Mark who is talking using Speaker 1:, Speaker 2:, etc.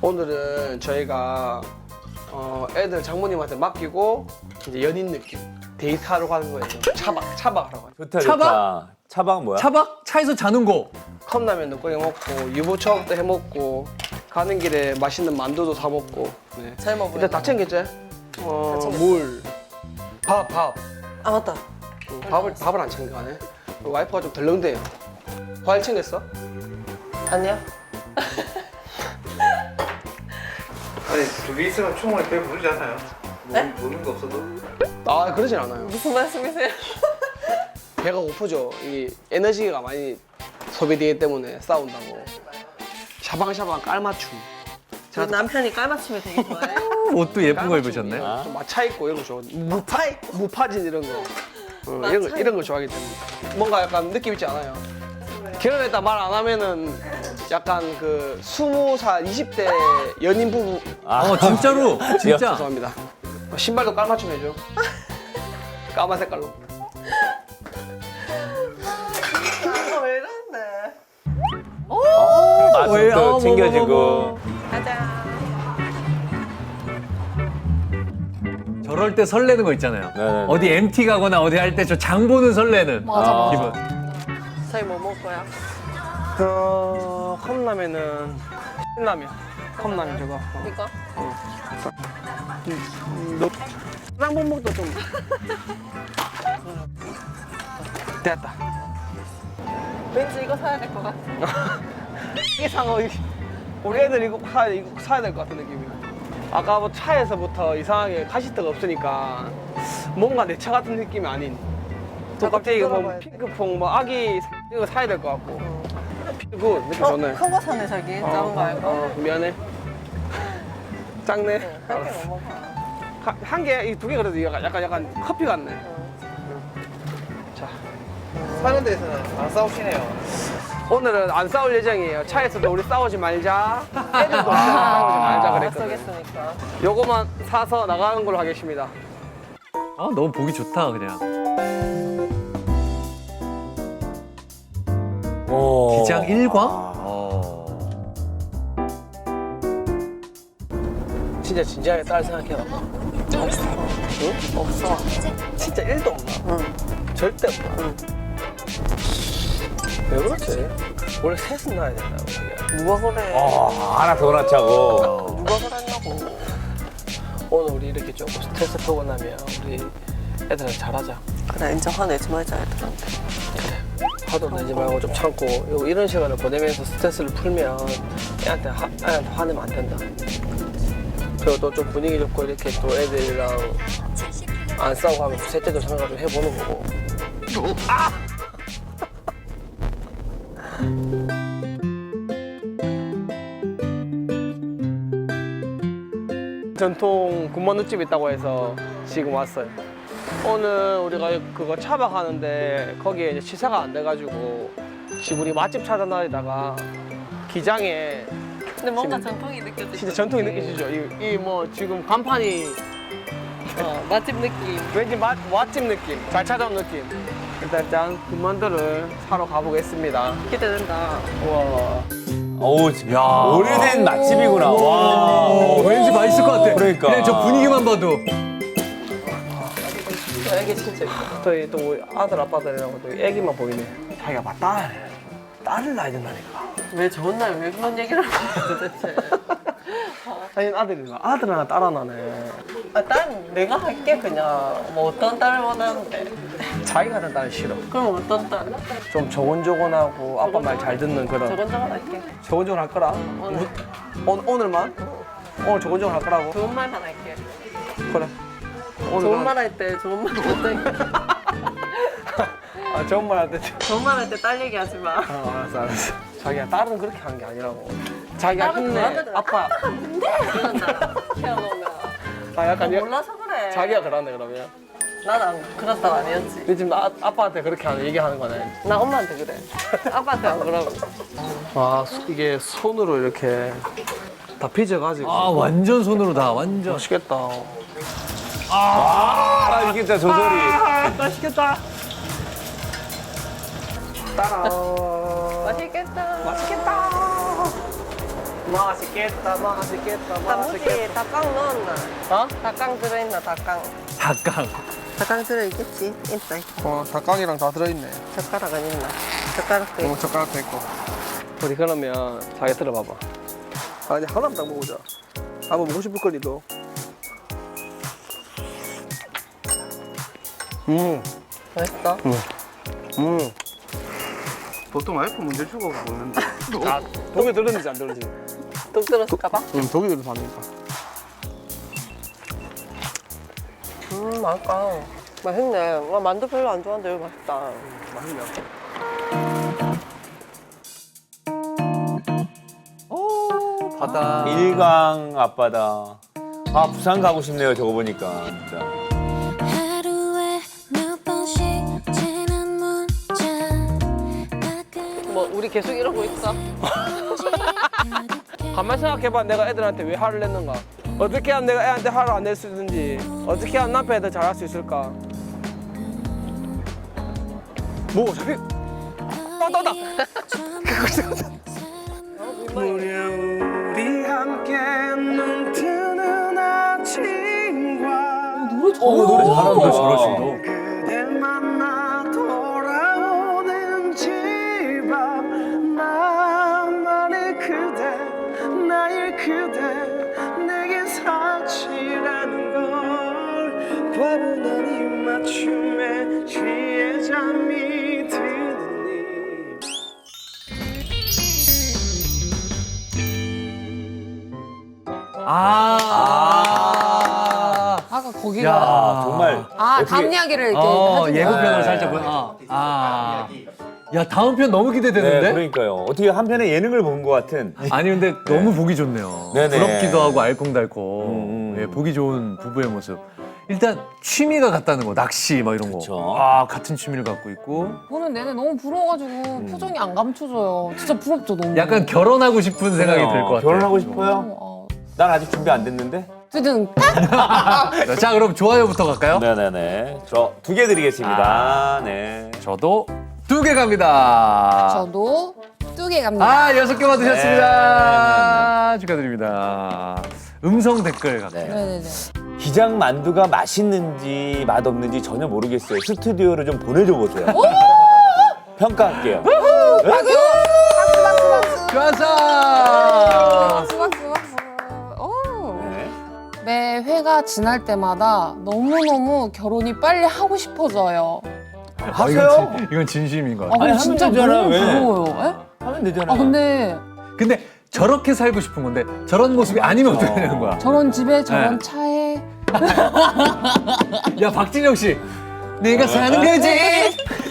Speaker 1: 오늘은 저희가 애들 장모님한테 맡기고 이제 연인 느낌 데이트하러 가는 거예요. 차박하러 가요.
Speaker 2: 좋다
Speaker 3: 차박?
Speaker 2: 좋다. 차박 뭐야?
Speaker 3: 차박? 차에서 자는 거.
Speaker 1: 컵라면도 끓여 먹고 유부초밥도 해 먹고 가는 길에 맛있는 만두도 사 먹고. 네.
Speaker 4: 잘 먹어요.
Speaker 1: 일단 다 챙겼지?
Speaker 4: 챙겼어.
Speaker 1: 물, 밥.
Speaker 4: 아 맞다.
Speaker 1: 밥을 안 챙겨가네. 와이프가 좀 덜렁대요. 과일 챙겼어?
Speaker 4: 아니야.
Speaker 5: 아니 둘이 있으면 충분히 배 부르지 않아요?
Speaker 4: 네?
Speaker 5: 먹는 거 없어도?
Speaker 1: 아 그러진 않아요.
Speaker 4: 무슨 말씀이세요?
Speaker 1: 배가 고프죠. 이 에너지가 많이 소비되기 때문에 싸운다고. 샤방샤방 깔맞춤.
Speaker 4: 저 남편이 깔맞춤을 되게 좋아해요.
Speaker 3: 옷도 예쁜 거 입으셨네.
Speaker 2: 아.
Speaker 1: 좀 마차 입고 이런 거 좋아. 무파진 이런 거. 이런 거 좋아하기 때문에. 뭔가 약간 느낌 있지 않아요? 결혼했다 말 안 하면은 약간 그 20살, 20대 연인 부부.
Speaker 3: 진짜로? 진짜?
Speaker 1: 죄송합니다. 신발도 깔맞춤 해줘. 까만 색깔로.
Speaker 4: 왜 이러는데?
Speaker 3: 왜?
Speaker 2: 맛도 챙겨지고.
Speaker 4: 가자.
Speaker 3: 저럴 때 설레는 거 있잖아요.
Speaker 2: 네네네.
Speaker 3: 어디 MT 가거나 어디 할 때 저 장 보는 설레는
Speaker 2: 맞아.
Speaker 3: 기분.
Speaker 4: 저희 뭐 먹을 거야?
Speaker 1: 컵라면은 신라면. 컵라면 저거.
Speaker 4: 이거?
Speaker 1: 쌍봉목도 좀. 됐다.
Speaker 4: 왠지 이거 사야 될 것 같아.
Speaker 1: 이게 상어. 우리 애들 이거 사야 될 것 같은 느낌이야. 아까 뭐 차에서부터 이상하게 카시트가 없으니까 뭔가 내 차 같은 느낌이 아닌. 또 갑자기 이거 뭐
Speaker 4: 들어봐야 돼.
Speaker 1: 핑크퐁 뭐 아기 이거 사야 될 것 같고. 굿 느낌 좋네.
Speaker 4: 큰 거 사네 자기. 작은 거 알고.
Speaker 1: 미안해. 작네.
Speaker 4: 할게 뭐 먹어.
Speaker 1: 한 개, 이 두 개 그래도 약간 커피 같네. 자,
Speaker 5: 사는 데서는 안 싸우시네요.
Speaker 1: 오늘은 안 싸울 예정이에요. 차에서도 우리 싸우지 말자. 애들도 싸우지 말자
Speaker 4: 안
Speaker 1: 그랬거든.
Speaker 4: 쓰겠으니까.
Speaker 1: 요거만 사서 나가는 걸로 하겠습니다.
Speaker 3: 너무 보기 좋다 그냥.
Speaker 2: 오.
Speaker 3: 기장 일광?
Speaker 1: 진짜 진지하게 딸 생각해봐.
Speaker 4: 없어.
Speaker 1: 응?
Speaker 4: 없어.
Speaker 1: 진짜 1도 없나?
Speaker 4: 응.
Speaker 1: 절대 없나?
Speaker 4: 응.
Speaker 1: 왜 그렇지? 원래 셋은 낳아야 된다고. 그게.
Speaker 4: 누가 그래?
Speaker 2: 하나 더 낳자고.
Speaker 4: 누가 그랬냐고.
Speaker 1: 오늘 우리 이렇게 조금 스트레스 풀고 나면 우리 애들한테 잘하자.
Speaker 4: 그래 인정 화내지 말자 애들한테.
Speaker 1: 화도 내지 말고 좀 참고 이런 시간을 보내면서 스트레스를 풀면 애한테 화내면 안 된다. 그리고 또 좀 분위기 좋고 이렇게 또 애들이랑 안 싸우고 하면 셋째도 생각 좀 해보는 거고. 아! 전통 군만두집 있다고 해서 지금 왔어요. 오늘 우리가 그거 차박하는데 거기에 이제 시사가 안 돼가지고 지금 우리 맛집 찾아다니다가 기장에
Speaker 4: 근데 뭔가 전통이 느껴지죠.
Speaker 1: 진짜 전통이 느껴지죠? 이 뭐 지금 간판이
Speaker 4: 맛집 느낌.
Speaker 1: 왠지 맛집 느낌, 잘 찾아온 느낌. 일단 짠 군만두를 사러 가보겠습니다.
Speaker 4: 기대된다.
Speaker 1: 우와.
Speaker 2: 어우, 야. 오래된 맛집이구나. 와.
Speaker 3: 왠지 맛있을 것 같아.
Speaker 2: 그러니까.
Speaker 3: 그냥 저 분위기만 봐도.
Speaker 1: 애기 진짜 이뻐. 저희 또 우리 아들 아빠들이라고 또 애기만 보이네. 자기가 막 딸을 낳아야 된다니까.
Speaker 4: 왜 좋은 날 왜 그런 얘기를 하는 거야 도대체.
Speaker 1: 아니 아들인가? 아들 하나 딸 하나네.
Speaker 4: 딸 내가 할게 그냥. 뭐 어떤 딸을 원하는데.
Speaker 1: 자기가 하는 딸은 싫어.
Speaker 4: 그럼 어떤 딸?
Speaker 1: 좀 조곤조곤하고 아빠 말 잘 듣는 그런.
Speaker 4: 저건저건 할게.
Speaker 1: 조곤조곤 할 거라.
Speaker 4: 오늘.
Speaker 1: 오늘만? 오늘 조곤조곤 할 거라고?
Speaker 4: 좋은 말만 할게.
Speaker 1: 그래. 오늘
Speaker 4: 좋은 말 할 때 좋은 말 못하니까.
Speaker 1: 아 좋은 말 할 때.
Speaker 4: 좋은 말 할 때 딸 얘기하지 마.
Speaker 1: 알았어. 자기야 딸은 그렇게 하는 게 아니라고. 자기가
Speaker 4: 딸은
Speaker 1: 힘내.
Speaker 4: 그러거든.
Speaker 1: 아빠.
Speaker 4: 이런다. 태어나면.
Speaker 1: 아 약간
Speaker 4: 몰라서 그래.
Speaker 1: 자기가 그러네 그러면.
Speaker 4: 난안 그랬다가 아니었지.
Speaker 1: 근데 지금 아빠한테 그렇게 얘기하는 거네.
Speaker 4: 나 엄마한테 그래. 아빠한테 안 그러고.
Speaker 1: 와 이게 손으로 이렇게 다 빚어가지고.
Speaker 3: 완전 손으로 다 완전.
Speaker 1: 맛있겠다.
Speaker 2: 맛있겠다, 저 소리.
Speaker 1: 맛있겠다. 따라.
Speaker 4: 맛있겠다.
Speaker 1: 맛있겠다. 맛있겠다, 맛있겠다,
Speaker 4: 단무지
Speaker 1: 맛있겠다.
Speaker 4: 닭강 넣었나?
Speaker 1: 어?
Speaker 4: 닭강 들어있나 닭강?
Speaker 3: 닭강.
Speaker 4: 닭강 들어있겠지? 있다.
Speaker 1: 닭강이랑 다 들어있네.
Speaker 4: 젓가락은 있나? 젓가락도 있고.
Speaker 1: 젓가락도 있고. 우리 그러면 자기 들어봐봐. 아니 하나만 딱 먹어보자. 한번 먹고 싶을 거리도.
Speaker 4: 맛있어?
Speaker 5: 보통 와이프 먼저 주고 먹는데.
Speaker 1: 아, 독이 들었는지 안 들었는지.
Speaker 4: 뚝 들었을까봐?
Speaker 1: 독이 들어서 하니까.
Speaker 4: 맛있다. 맛있네. 나 만두 별로 안 좋아하는데 이거 맛있다.
Speaker 1: 맛있냐?
Speaker 3: 바다.
Speaker 2: 일강 앞바다. 아 부산 가고 싶네요. 저거 보니까 진짜.
Speaker 6: 하루에 몇 번씩 지는 문자
Speaker 4: 뭐 우리 계속 이러고 있어?
Speaker 1: 가만 생각해봐. 내가 애들한테 왜 화를 냈는가? 어떻게 하면 내가 애한테 화를 안 낼 수 있는지, 어떻게 하면 남편이 더 잘할 수 있을까? 뭐 어차피 떠다. 우리 함께 눈 뜨는 아침과
Speaker 2: 노래 잘한다.
Speaker 3: 잘하신다.
Speaker 1: 그댈 만나 돌아오는 집 앞 나만의 그대 나의 그대 내게 사치라는 걸 과분한 입맞춤에 취해 잠이 드는 니
Speaker 7: 아까 거기가
Speaker 3: 야,
Speaker 2: 정말
Speaker 7: 다음 이야기를 이렇게 해준 거야.
Speaker 3: 예고편을
Speaker 2: 네.
Speaker 3: 살짝 보. 야, 다음 편 너무
Speaker 2: 네,
Speaker 3: 기대되는데?
Speaker 2: 그러니까요. 어떻게 한편의 예능을 본 것 같은.
Speaker 3: 아니 근데 너무 보기 좋네요.
Speaker 2: 네네.
Speaker 3: 부럽기도 하고 알콩달콩. 예, 보기 좋은 부부의 모습. 일단 취미가 같다는 거, 낚시 막 이런 거.
Speaker 2: 그쵸.
Speaker 3: 아, 같은 취미를 갖고 있고.
Speaker 7: 보는 내내 너무 부러워가지고 표정이 안 감춰져요. 진짜 부럽죠 너무.
Speaker 3: 약간 결혼하고 싶은 생각이 들 것 같아요.
Speaker 2: 결혼하고 싶어요?
Speaker 7: 어,
Speaker 2: 난 아직 준비 안 됐는데.
Speaker 7: 어쨌든
Speaker 3: 자, 그럼 좋아요부터 갈까요?
Speaker 2: 네네네. 저 2개 드리겠습니다. 네.
Speaker 3: 저도 2개 갑니다.
Speaker 7: 저도 2개 갑니다.
Speaker 3: 6개 받으셨습니다. 축하드립니다. 음성 댓글 갈게요.
Speaker 7: 네네네.
Speaker 2: 기장 만두가 맛있는지 맛없는지 전혀 모르겠어요. 스튜디오로 좀 보내줘 보세요. 평가할게요.
Speaker 3: 좋았어!
Speaker 7: 박수 박수 박수. 오.
Speaker 2: 네.
Speaker 7: 매 회가 지날 때마다 너무너무 결혼이 빨리 하고 싶어져요.
Speaker 2: 하세요?
Speaker 3: 이건 진심인 것
Speaker 7: 아,
Speaker 3: 같아요.
Speaker 7: 근데
Speaker 2: 하면
Speaker 7: 진짜
Speaker 2: 되잖아요,
Speaker 7: 너무
Speaker 2: 왜?
Speaker 7: 부러워요. 예?
Speaker 2: 하면 되잖아.
Speaker 7: 아 근데
Speaker 3: 근데 저렇게 살고 싶은 건데 저런 모습이 아니면 어떻게 되는 거야?
Speaker 7: 저런 집에 저런
Speaker 3: 네.
Speaker 7: 차에
Speaker 3: 야, 박진영 씨. 네가 사는 거지.